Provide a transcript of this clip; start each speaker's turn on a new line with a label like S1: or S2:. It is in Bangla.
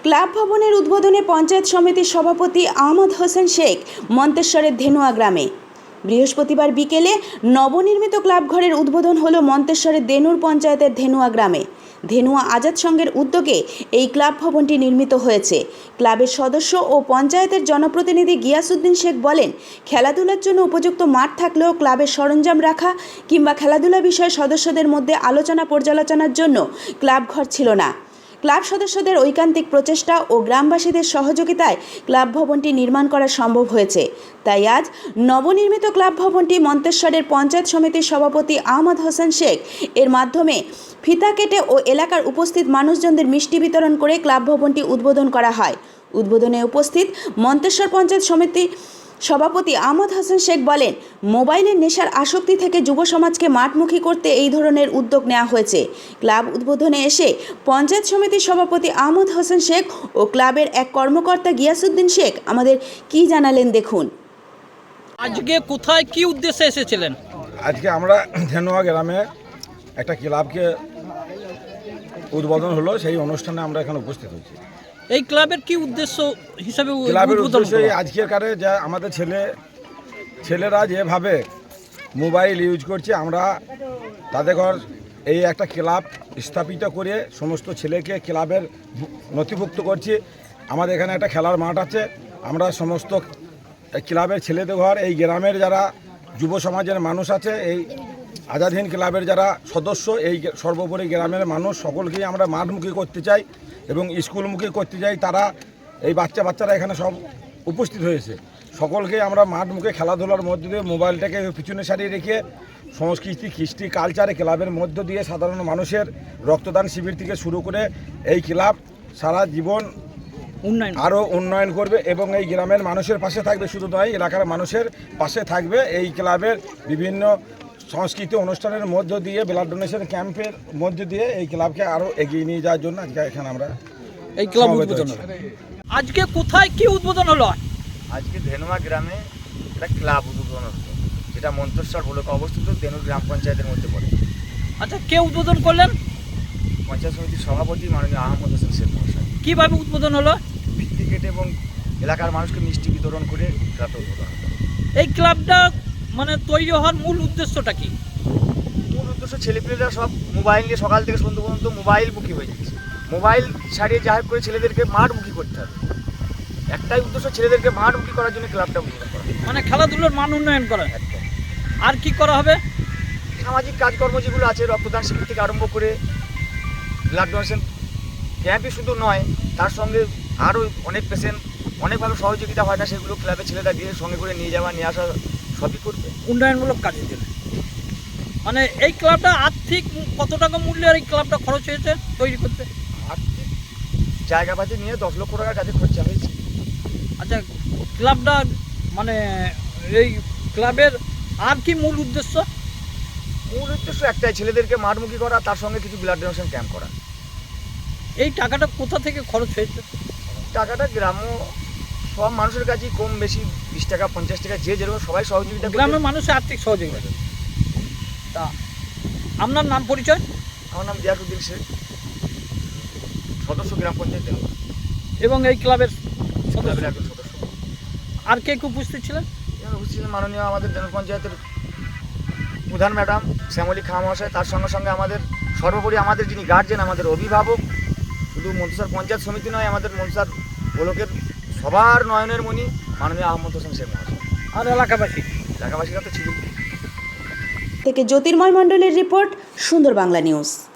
S1: ক্লাব ভবনের উদ্বোধনে পঞ্চায়েত সমিতির সভাপতি আহমদ হোসেন শেখ মন্তেশ্বরের ধেনুয়া গ্রামে। বৃহস্পতিবার বিকেলে নবনির্মিত ক্লাব ঘরের উদ্বোধন হলো মন্তেশ্বরের দেনুর পঞ্চায়েতের ধেনুয়া গ্রামে। ধেনুয়া আজাদ সংঘের উদ্যোগে এই ক্লাব ভবনটি নির্মিত হয়েছে। ক্লাবের সদস্য ও পঞ্চায়েতের জনপ্রতিনিধি গিয়াসউদ্দিন শেখ বলেন, খেলাধুলার জন্য উপযুক্ত মাঠ থাকলেও ক্লাবের সরঞ্জাম রাখা কিংবা খেলাধুলা বিষয়ে সদস্যদের মধ্যে আলোচনা পর্যালোচনার জন্য ক্লাব ঘর ছিল না। ক্লাব সদস্যদের ঐকান্তিক প্রচেষ্টা ও গ্রামবাসীদের সহযোগিতায় ক্লাব ভবনটি নির্মাণ করা সম্ভব হয়েছে। তাই আজ নবনির্মিত ক্লাব ভবনটি মন্তেশ্বরের পঞ্চায়েত সমিতির সভাপতি আহমদ হোসেন শেখ এর মাধ্যমে ফিতা কেটে ও এলাকার উপস্থিত মানুষজনদের মিষ্টি বিতরণ করে ক্লাব ভবনটি উদ্বোধন করা হয়। উদ্বোধনে উপস্থিত মন্তেশ্বর পঞ্চায়েত সমিতি সভাপতি আহমদ হোসেন শেখ বলেন, মোবাইলের নেশার আসক্তি থেকে যুব সমাজকে মাঠমুখী করতে এই ধরনের উদ্যোগ নেওয়া হয়েছে। ক্লাব উদ্বোধনে এসে পঞ্চায়েত সমিতির সভাপতি আহমদ হোসেন শেখ ও ক্লাবের এক কর্মকর্তা গিয়াসউদ্দিন শেখ আমাদের কি জানালেন দেখুন।
S2: আজকে কোথায় কি উদ্দেশ্যে এসেছিলেন?
S3: আজকে আমরা ধেনুয়া গ্রামে একটা ক্লাবকে উদ্বোধন হলো, সেই অনুষ্ঠানে আমরা এখানে উপস্থিত হয়েছি।
S2: এই ক্লাবের কি উদ্দেশ্য হিসাবে
S3: ক্লাবের উদ্দেশ্য আজকের কারে যা আমাদের ছেলেরা যেভাবে মোবাইল ইউজ করছে, আমরা তাদের ঘর এই একটা ক্লাব স্থাপিত করে সমস্ত ছেলেকে ক্লাবের নথিভুক্ত করছি। আমাদের এখানে একটা খেলার মাঠ আছে। আমরা সমস্ত ক্লাবের ছেলেদের ঘর, এই গ্রামের যারা যুব সমাজের মানুষ আছে, এই আজাদহীন ক্লাবের যারা সদস্য, এই সর্বোপরি গ্রামের মানুষ সকলকেই আমরা মাঠমুখী করতে চাই এবং স্কুলমুখী করতে চাই। তারা এই বাচ্চারা এখানে সব উপস্থিত হয়েছে। সকলকে আমরা মাঠমুখে খেলাধুলার মধ্য দিয়ে মোবাইলটাকে পিছনে সারিয়ে রেখে সংস্কৃতি, কৃষ্টি, কালচারে ক্লাবের মধ্য দিয়ে সাধারণ মানুষের রক্তদান শিবির থেকে শুরু করে এই ক্লাব সারা জীবন আরও উন্নয়ন করবে এবং এই গ্রামের মানুষের পাশে থাকবে। শুধু নয়, এলাকার মানুষের পাশে থাকবে। এই ক্লাবের বিভিন্ন সংস্কৃতি অনুষ্ঠানের মধ্য দিয়ে, ব্লাড ডোনেশন ক্যাম্পের মধ্য দিয়ে এই ক্লাবকে আরও এগিয়ে নিয়ে যাওয়ার জন্য আজকে এখানে আমরা
S2: এই ক্লাব উদ্বোধন। আজকে কোথায় কি উদ্বোধন হলো?
S4: আজকে ধেনুয়া গ্রামে একটা ক্লাব উদ্বোধন হলো, যেটা মন্তেশ্বর ব্লকে অবস্থিত দেনুর গ্রাম পঞ্চায়েতের মধ্যে পড়ে।
S2: আচ্ছা, কে উদ্বোধন করলেন?
S4: পঞ্চায়েত সমিতির সভাপতি মাননীয় আহমদ হোসেন শেখ মহাশয়।
S2: কিভাবে উদ্বোধন হলো?
S4: ভিত্তি কেটে এবং এলাকার মানুষকে মিষ্টি বিতরণ করে ক্লাবটা উদ্বোধন হলো।
S2: এই ক্লাবটা মানে তৈরি হওয়ার মূল উদ্দেশ্যটা কি?
S4: মূল উদ্দেশ্য, ছেলেপেলেরা সব মোবাইল নিয়ে সকাল থেকে সন্ধ্যা পর্যন্ত মোবাইলমুখী হয়ে যাচ্ছে। মোবাইল ছাড়িয়ে যা করে ছেলেদেরকে মাঠমুখী করতে হবে। একটাই উদ্দেশ্য, ছেলেদেরকে মাঠমুখী করার জন্য ক্লাবটা উদ্বোধন করা,
S2: মানে খেলাধুলার মান উন্নয়ন করা।
S4: একদম।
S2: আর কি করা হবে?
S4: সামাজিক কাজকর্ম যেগুলো আছে, রক্তদান শিবির থেকে আরম্ভ করে ব্লাড ডোনেশন ক্যাম্পই শুধু নয়, তার সঙ্গে আরও অনেক পেশেন্ট অনেকভাবে সহযোগিতা হয় না, সেগুলো ক্লাবের ছেলেরা দিয়ে সঙ্গে করে নিয়ে যাওয়া নিয়ে আসা সবই করবে
S2: উন্নয়নমূলক কাজের জন্য। মানে এই ক্লাবটা আর্থিক কত টাকা মূল্যের এই ক্লাবটা খরচ হয়েছে তৈরি করতে?
S4: আর্থিক জায়গাপাতি নিয়ে 10 লক্ষ টাকার কাছে খরচা হয়েছে।
S2: আচ্ছা, ক্লাবটা মানে এই ক্লাবের আর কি মূল উদ্দেশ্য?
S4: মূল উদ্দেশ্য একটাই, ছেলেদেরকে মাঠমুখী করা, তার সঙ্গে কিছু ব্লাড ডোনেশন ক্যাম্প করা।
S2: এই টাকাটা কোথা থেকে খরচ হয়েছে?
S4: টাকাটা গ্রাম্য সব মানুষের কাছেই কম বেশি 20 টাকা 50 টাকা যে যেরকম সবাই সহযোগিতা করে।
S2: গ্রামের মানুষের আর্থিক সহযোগিতা। তা আপনার নাম পরিচয়?
S4: আমার নাম গিয়াসউদ্দিন শেখ, সদস্য গ্রাম পঞ্চায়েত
S2: এবং এই ক্লাবের সদস্য।
S4: একজন সদস্য।
S2: আর কে উপস্থিত ছিলেন?
S4: উপস্থিত ছিলেন মাননীয় আমাদের দেনুর পঞ্চায়েতের প্রধান ম্যাডাম শ্যামলী খাঁ মহাশয়। তার সঙ্গে সঙ্গে আমাদের সর্বোপরি আমাদের যিনি গার্জেন, আমাদের অভিভাবক, শুধু মন্তেশ্বর পঞ্চায়েত সমিতি নয়, আমাদের মন্তেশ্বর ব্লকের সবার নয়নের মণি মাননীয় আহমদ হোসেন শেখ মহাশয়।
S2: আর এলাকাবাসীরা
S4: তো ছিল।
S1: থেকে জ্যোতির্ময় মণ্ডলের রিপোর্ট, সুন্দর বাংলা নিউজ।